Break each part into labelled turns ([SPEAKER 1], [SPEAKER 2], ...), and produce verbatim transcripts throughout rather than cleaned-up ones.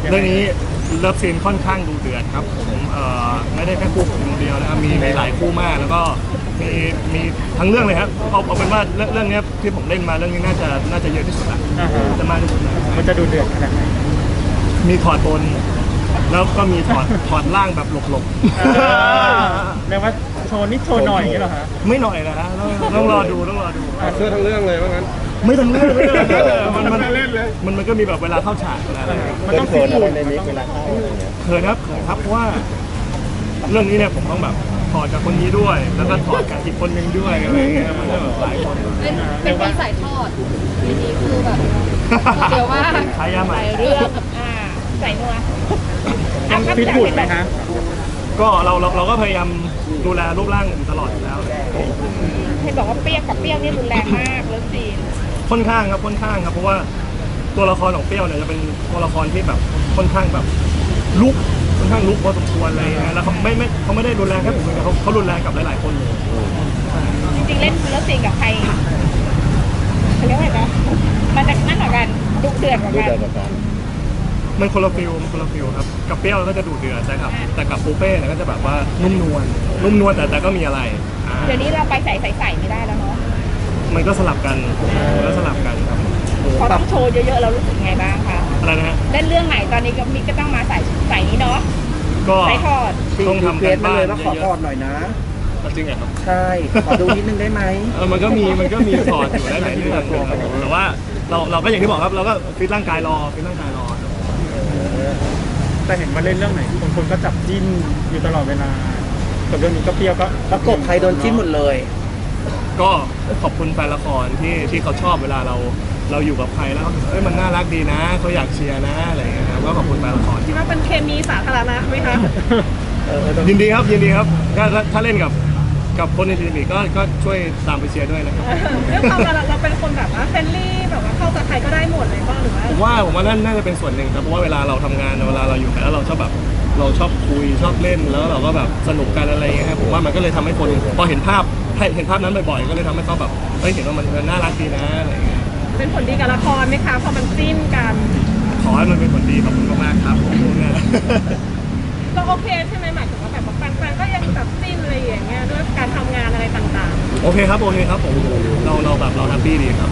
[SPEAKER 1] เรื่องนี้เลิฟซีนค่อนข้างดูเดือดครับผมเอ่อไม่ได้แค่คู่ผมคนเดียวนะครับมีหลายคู่มากแล้วก็มีมีทั้งเรื่องเลยครับเอาเอาเป็นว่าเรื่องเรื่องนี้ที่ผมเล่นมาเรื่องนี้น่าจะน่าจะเยอะที่สุดละจะมากที่สุดนะ
[SPEAKER 2] มันจะดูเดือดขนาดไหน
[SPEAKER 1] มีถอดบนแล้วก็มีถอดถอดล่างแบบหลบ
[SPEAKER 2] ๆแปลว่าโชว์นิดโชว์หน่อยอย่างเงี้ยหรอฮะ
[SPEAKER 1] ไม่หน่อยนะฮะต้องรอดูต้องรอดู
[SPEAKER 3] เสื้อทั้งเรื่องเลยว่างั้น
[SPEAKER 1] ไม่ทั้งเรื่องไม่ทั้งเรื่องมันมันมันมันก็มีแบบเวลาเข้าฉากอะไร
[SPEAKER 2] มันต้องฟิตหุ่นในนี้เวลาเข้า
[SPEAKER 1] เขินครับเขินครับเพราะว่าเรื่องนี้เนี่ยผมต้องแบบถอดกับคนนี้ด้วยแล้วก็ถอดกับอีกคนนึงด้วยอะไรเงี้ยมันก็แบบหลายคน
[SPEAKER 4] เป็นเป็นคนสายทอดทีนี้คือแบบเดี๋ยวว่า
[SPEAKER 1] ใช้ยาใหม่
[SPEAKER 4] เรื่องอ่าใส่นัว
[SPEAKER 2] ฟิตหุ่นไหมคะ
[SPEAKER 1] ก็เราเราเราก็พยายามดูแลรูปร่างตลอดอยู่แล้ว
[SPEAKER 4] ให้บอกว่าเปรี้ยวกับเปรี้ยวนี่รุนแรงมากแล้วซีน
[SPEAKER 1] ค่อนข้างครับค่อนข้างครับเพราะว่าตัวละครของเปรี้ยวเนี่ยจะเป็นตัวละครที่แบบค่อนข้างแบบลุกค่อนข้างลุกพอสมควรอะไรเงี้ยแล้วเขาไม่ไม่เขาไม่ได้รุนแรงแค่ผมเองเขาเขารุนแรงกับหลายๆคนเลย
[SPEAKER 4] จริงๆเล่นแล้วซีนกับใครเขาเรียกว่าอะไรนะมันจะนั่นเหมือนกันดุเดือดเหมือนกัน
[SPEAKER 1] มันคนละฟิลมันคนละฟิลครับกับเปรี้ยวก็จะดูเดือดใช่ครับแต่กับปูเป้เนี่ยก็จะแบบว่านุ่มนวลนุ่มนวลแต่แต่ก็มีอะไร
[SPEAKER 4] เดี๋ยวนี้เราไปใส่ใส่ใส่ไม่ได้แล้วเนาะ
[SPEAKER 1] มันก็สลับกันแล้วสลับกันครับ
[SPEAKER 4] พอต้องโชว์เยอะๆเรารู้สึกไงบ้างคะ
[SPEAKER 1] อะไรนะฮะ
[SPEAKER 4] เล่นเรื่องไหนตอนนี้ก็มิกก็ต้องมาใส่ใส่นี้เนาะ
[SPEAKER 1] ก็
[SPEAKER 4] ใส่ทอด
[SPEAKER 1] ต้องทำกันบ้าน
[SPEAKER 2] เลยว่าขอทอดหน่อยนะ
[SPEAKER 1] จริงเหรอครับ
[SPEAKER 2] ใช่ขอดูนิดนึงได้ไหม
[SPEAKER 1] เออมันก็มีมันก็มีถอดอยู่ได้หลายเรื่องแต่ว่าเราเราก็อย่างที่บอกครับเราก็ฟิตร่างกายรอฟิตร่างกายรอ
[SPEAKER 2] แต่เห็นมาเล่นเรื่องไหนคนคนก็จับจิ้นอยู่ตลอดเวลากับเรื่องนี้ก็เปรี้ยวก็ประกบใครโดนจิ้นหมดเลย
[SPEAKER 1] ก็ขอบคุณแฟนละครที่ที่เขาชอบเวลาเราเราอยู่กับใครแล้วเอ้ยมันน่ารักดีนะเขาอยากเชียร์นะอะไรอย่างเงี้ยครับก็ขอบคุณแฟนละคร
[SPEAKER 4] คิดว่าเป็นเคมีสาธารณะไหมคะ
[SPEAKER 1] ยินดีครับยินดีครับถ้าถ้าเล่นกับกับคนในทีมก็ก็ช่วยตามไปเชียร์ด้วยนะครับ
[SPEAKER 4] เรื่องความเราเราเป็นคนแบบว่าเฟรนลี่แบบว่าเข้ากับใครก็ได้หมดเลยป่ะหรือว่า
[SPEAKER 1] ผมว่าผมว่านั่นน่าจะเป็นส่วนหนึ่งครับเพราะว่าเวลาเราทำงานเวลาเราอยู่กันแล้วเราชอบแบบเราชอบคุยชอบเล่นแล้วเราก็แบบสนุกกันอะไรอย่างเงี้ยครับผมว่ามันก็เลยทำให้คนพอเห็นภาพเห็นภาพนั้นบ่อยๆก็เลยทำให้เขาแบบเฮ้ยเห็นว่ามันน่ารักดีนะอะไรอย่างเงี้ย
[SPEAKER 4] เป็นผลดีกับละครไหมคะพอมันจิ้นกัน
[SPEAKER 1] ขอให้มันเป็นผลดีขอบคุณมากๆครับผมเนี่ย
[SPEAKER 4] ก็โอเคใช่ไหมหมายถึงว่าแบบแฟนๆก็ยังแบบจิ้นอะไรอย่างเงี้ยด้วยการทำงานอะไรต่าง
[SPEAKER 1] ๆโอเคครับโอเคครับผมเราเราแบบเราแฮปปี้ดีครับ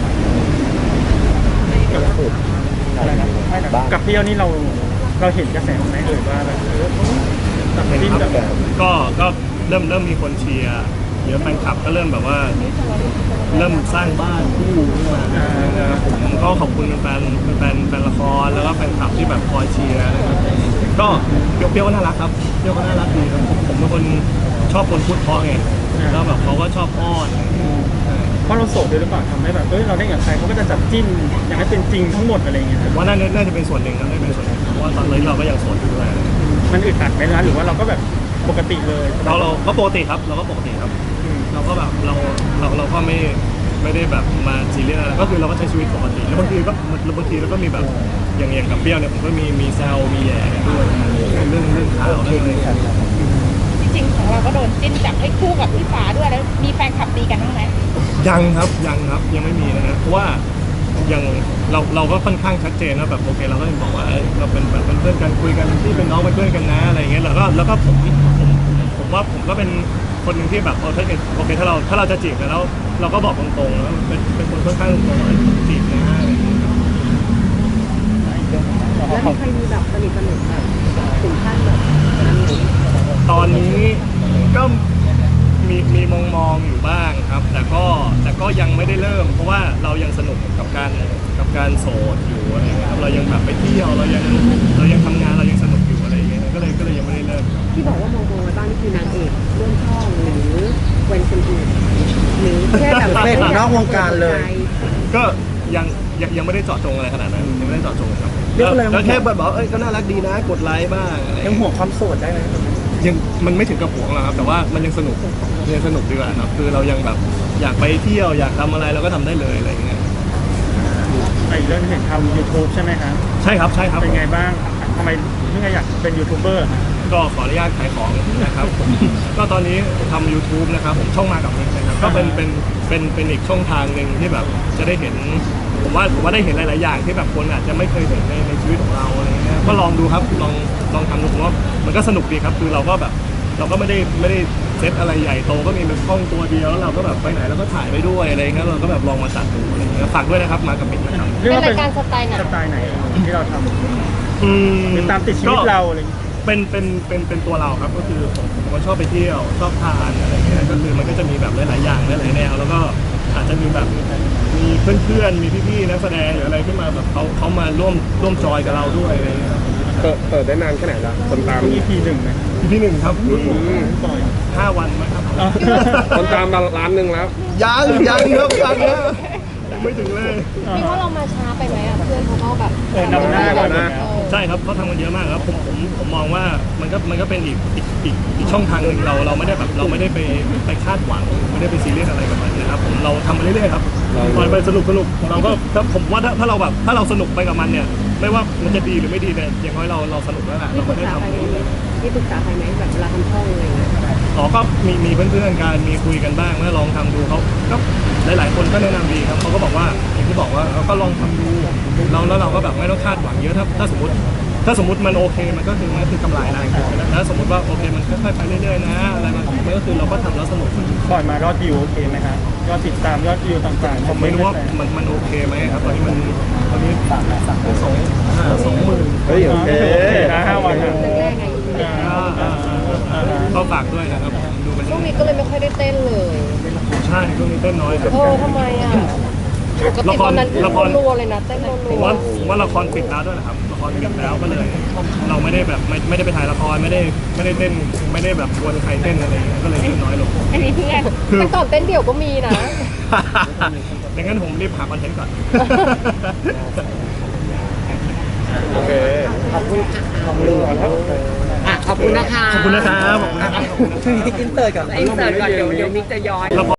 [SPEAKER 2] กับเปรี้ยวนี่เราเราเห็นกระแสไหมเอ่ยว่าแบบเออแบบจิ้นแบบ
[SPEAKER 1] ก็ก็เริ่มเริ่มมีคนเชียร์เยอะแฟนคลับก็เริ่มแบบว่าเริ่มสร้างบ้านคู่ขึ้นมาผมก็ขอบคุณแฟนแฟนแฟนละครแล้วก็แฟนคลับที่แบบคอยเชียร์นะครับก็เปรี้ยวก็น่ารักครับเปรี้ยวก็น่ารักดีครับผมเป็นคนชอบคนพูดเพราะไงแล้วแบบเขาก็ชอบอ้อน
[SPEAKER 2] เพราะเราโสดด้วยหรือเปล่าทำให้แบบเอ้ยเราได้กับใครเขาก็จะจับจิ้นอยากให้เป็นจริงทั้งหมดอะไรเงี้ย
[SPEAKER 1] ว่าน่าน่าจะเป็นส่วนหนึ่งครับน่าจะเป็นส่วนหนึ่งเพราะว่าตอนนี้เราก็ยังโสดอยู่ด้วย
[SPEAKER 2] มันอึดอัดไหมนะหรือว่าเราก็แบบปกติเลย
[SPEAKER 1] เราเราก็ปกติครับเราก็ปกติครับเราก็แบบเราเราเราก็ไม่ไม่ได้แบบมาซีเรียสอะไรก็คือเราก็ใช้ชีวิตปกติแล้วบางทีก็บางทีเราก็มีแบบอย่างอย่างกับเปรี้ยวเนี่ยผมก็มีมีแซวมีแย่ด้วยเรื่องเรื่องข่าวเรื่องอะไร
[SPEAKER 4] จริงๆของเราก็โดนจิ้นจับให้คู่กับพี่ฟ้าด้วยแล้วมีแฟนคลับตีกันบ้างไหม
[SPEAKER 1] ยังครับยังครับยังไม่มีนะฮะเพราะว่ายังเราเราก็ค่อนข้างชัดเจนนะแบบโอเคเราก็บอกว่าเราเป็นแบบเป็นเพื่อนกันคุยกันที่เป็นน้องเป็นเพื่อนกันนะอะไรอย่างเงี้ยแล้วก็แล้วก็ผมผมผมว่าผมก็เป็นคนหนึ่งที่แบบโอเคโอเคถ้าเราถ้าเราจะจีบกันแล้วเราก็บอกตรงๆแล้วเป็นเป็นคนค่อนข้างตรงๆจีบนะอะไรอย่างเงี้ย
[SPEAKER 4] แล้วมีใครมีแบบสนิทสนิทแบบถึงขั้นแบบ
[SPEAKER 1] ตอนนี้ก็มีมีมองมองอยู่บ้างครับแต่ก็แต่ก็ยังไม่ได้เริ่มเพราะว่าเรายังสนุกกับการกับการโสดอยู่อะไรเงี้ยครับเรายังแบบไปเที่ยวเรายังเรายังทำงานเรายังสนุกอยู่อะไรเงี้ยก็เลยก็เลยยังไม่ได้เริ่ม
[SPEAKER 4] ที่บอกว่ามองมองไว้บ้างนี่คือนางเอกร่วมช่องหรือเวนคนอื่นหรือแค่แบบ
[SPEAKER 2] เป็นนอกวงการเลย
[SPEAKER 1] ก็ยังยังยังไม่ได้เจาะจงอะไรขนาดนั้นยังไม่ได้เจาะจงครับแล้วแค่บอกเอ้ยก็น่ารักดีนะกดไลค์บ้างอะไร
[SPEAKER 2] ยังห่วงความโสดได้ไหม
[SPEAKER 1] ยังมันไม่ถึงกับห่วงหรอกครับแต่ว่ามันยังสนุกยังสนุกดีกว่าครับคือเรายังแบบอยากไปเที่ยวอยากทำอะไรเราก็ทำได้เลยอะไรอย่างเงี้ย
[SPEAKER 2] ไอ้เรื่องเห็นทำ ยูทูบ ใช่ไหมครับ
[SPEAKER 1] ใช่ครับใช่ครับ
[SPEAKER 2] เป็นไงบ้างทำไมถึงอยากเป็นยูทูบเบอร์
[SPEAKER 1] ก็ขออนุญาตขายของนะครับก็ตอนนี้ทำ ยูทูบ นะครับผมช่องมากับมิกนะครับก็เป็นเป็นเป็นเป็นอีกช่องทางหนึ่งที่แบบจะได้เห็นผมว่าผมว่าได้เห็นหลายๆอย่างที่แบบคนอาจจะไม่เคยเห็นในในชีวิตของเราอะไรเงี้ยก็ลองดูครับลองลองทำดูผมว่ามันก็สนุกดีครับคือเราก็แบบเราก็ไม่ได้ไม่ได้เซตอะไรใหญ่โตก็มีแบบกล้องตัวเดียวแล้วเราก็แบบไปไหนเราก็ถ่ายไปด้วยอะไรเงี้ยเราก็แบบลองมาตัดดูอะไรเงี้ยฝากด้วยนะครับมากับมิกนะครับ
[SPEAKER 2] เรียกว่า
[SPEAKER 3] เป็นรายการสไตล์ไหน
[SPEAKER 2] สไตล์ไหนที่เราทำ
[SPEAKER 1] อืม
[SPEAKER 2] หรือตามติดชีวิตเราอะไรอย่างเงี้ย
[SPEAKER 1] เป็นเป็นเป็นเป็นตัวเราครับก็คือผมผมก็ชอบไปเที่ยวชอบทานอะไรเงี้ยก็คือมันก็จะมีแบบหลายๆอย่างหลายๆแนวแล้วก็อาจจะมีแบบมีเพื่อนๆมีพี่ๆนักแสดงหรืออะไรขึ้นมาแบบเขาเขามาร่วมร่วมจอยกับเราด้วยอะไรเงี้ย
[SPEAKER 5] เปิดเปิดได้นานแค่ไหนละคนตาม
[SPEAKER 2] อี พี หนึ่งนะ
[SPEAKER 1] พี่หนึ่งครับ
[SPEAKER 2] ปล่อย
[SPEAKER 1] ห้าวันมั้งครับ
[SPEAKER 5] คนตามมาล้านหนึ่งแล้ว
[SPEAKER 1] ยังยังครับยังนะยังไม่ถึงเลย
[SPEAKER 3] พี่ว่าเรามาช้าไปไหมอ่ะเพื่อนเขาก็แบบ
[SPEAKER 2] เออนำหน้ากันนะ
[SPEAKER 1] ใช่ครับเขาทำกันเยอะมากครับผมผมผมมองว่ามันก็มันก็เป็นอีกอีกอีกอีกช่องทางหนึ่งเราเราไม่ได้แบบเราไม่ได้ไปไปคาดหวังไม่ได้ไปซีเรียสอะไรกับมันนะครับผมเราทำไปเรื่อยๆครับปล่อยไปสนุกสนุกเราก็ถ้าผมว่าถ้าถ้าเราแบบถ้าเราสนุกไปกับมันเนี่ยไม่ว่ามันจะดีหรือไม่ดีเนี่ยอย่างน้อยเราเราสนุกแล้วแหละ
[SPEAKER 3] มี
[SPEAKER 1] เรา
[SPEAKER 3] ปรึ
[SPEAKER 1] ไม่
[SPEAKER 3] ก
[SPEAKER 1] ได้
[SPEAKER 3] ษาใคร
[SPEAKER 1] ทำ
[SPEAKER 3] ไหมมีปรึกษาใครไหมแบบเวลาทำช่องอะไรอย่างเงี้ย
[SPEAKER 1] อ๋อก็มีมีเพื่อนๆกันมีคุยกันบ้างเมื่อลองทำดูเขาก็หลายๆคนก็แนะนำดีครับเขาก็บอกว่าอย่างที่บอกว่าเราก็ลองทำดูเราแล้วเราก็แบบไม่ต้องคาดหวังเยอะถ้าถ้าสมมติ ถ้าสมมติมันโอเคมันก็คือมันก็คือกำไรนะถ้าสมมติว่าโอเคมันค่อยๆไปเรื่อยๆนะอะไรมันมันก็คือเราก็ทำแล้วสนุก
[SPEAKER 2] ปล่อยมายอดวิวโอเคไหมฮะยอดติดตามยอดวิวต่างๆ
[SPEAKER 1] ผมไม่รู้ว่ามันมันโอเคไหมครับตอนนี้มันตอนนี้สามสามสองสองหมื่น
[SPEAKER 5] เฮ้ยโอเค
[SPEAKER 2] โอเคนะห้าวันนะ
[SPEAKER 3] แรกๆไง
[SPEAKER 1] ก็ฝากด้วยนะครับดูมัน
[SPEAKER 3] ช่วงนี้ก็เลยไม่ค่อยได้เต้นเลย
[SPEAKER 1] ใช่ช่วงนี้เต้นน้อยครับ
[SPEAKER 3] เออทำไมอ่ะปกติตอนนั้น
[SPEAKER 1] ละคร
[SPEAKER 3] รัวๆเลยนะเต้นรั
[SPEAKER 1] ผม
[SPEAKER 3] ว
[SPEAKER 1] ว่าผมว่าละครปิดแล้วด้วยนะครับละครปิดแล้วก็เลย เราไม่ได้แบบไม่ไม่ได้ไปถ่ายละครไม่ได้ไม่ได้เต้นไม่ได้แบบชวนใครเต้นอะไรอย่างเงี้ยก็เลยเต้นน้อยลง
[SPEAKER 4] อันนี้เพื่อน
[SPEAKER 3] ๆแต่ก่อนเต้นเดี่ยวก็มีนะ
[SPEAKER 1] ดังนั้นผมรีบหาคอนเทนต์ก่อน
[SPEAKER 5] โอเค
[SPEAKER 3] ขอบคุณค่ะขอบคุณอ่ะขอบคุณนะคะ
[SPEAKER 1] ขอบคุณนะครับขอบคุณนะครับ
[SPEAKER 3] อินเสิร์ตก่อนอินเสิร์ตก่อนเดี๋ยวเดี๋ยวมิกจะย้อน